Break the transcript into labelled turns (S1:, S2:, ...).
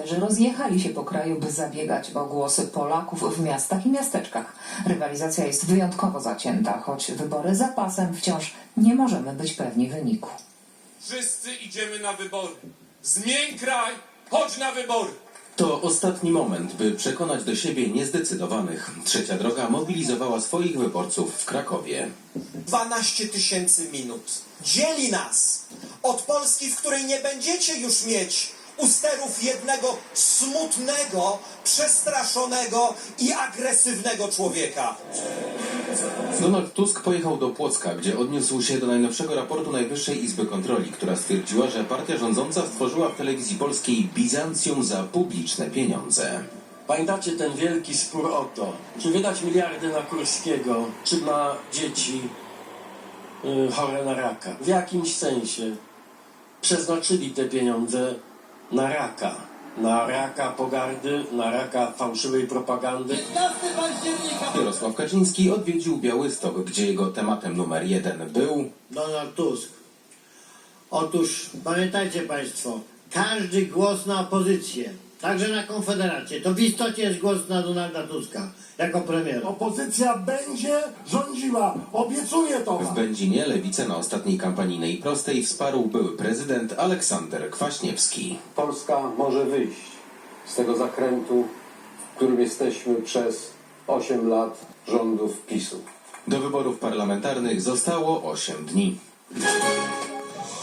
S1: liderzy rozjechali się po kraju, by zabiegać o głosy Polaków w miastach i miasteczkach. Rywalizacja jest wyjątkowo zacięta, choć wybory za pasem wciąż nie możemy być pewni wyniku.
S2: Wszyscy idziemy na wybory. Zmień kraj, chodź na wybory.
S3: To ostatni moment, by przekonać do siebie niezdecydowanych. Trzecia Droga mobilizowała swoich wyborców w Krakowie.
S4: 12 000 minut dzieli nas od Polski, w której nie będziecie już mieć u sterów jednego smutnego, przestraszonego i agresywnego człowieka.
S3: Donald Tusk pojechał do Płocka, gdzie odniósł się do najnowszego raportu Najwyższej Izby Kontroli, która stwierdziła, że partia rządząca stworzyła w telewizji polskiej Bizancjum za publiczne pieniądze.
S5: Pamiętacie ten wielki spór o to, czy wydać miliardy na Kurskiego, czy na dzieci chore na raka. W jakimś sensie przeznaczyli te pieniądze na raka. Na raka pogardy, na raka fałszywej propagandy.
S3: Jarosław Kaczyński odwiedził Białystok, gdzie jego tematem numer 1 był
S6: Donald Tusk. Otóż pamiętajcie Państwo, każdy głos na opozycję, także na Konfederację, to w istocie jest głos na Donalda Tuska jako premiera.
S7: Opozycja będzie rządziła, obiecuję to
S3: w
S7: wam.
S3: Będzinie. Lewicę na ostatniej kampanijnej prostej wsparł były prezydent Aleksander Kwaśniewski.
S8: Polska może wyjść z tego zakrętu, w którym jesteśmy przez 8 lat rządów PiS-u.
S3: Do wyborów parlamentarnych zostało 8 dni.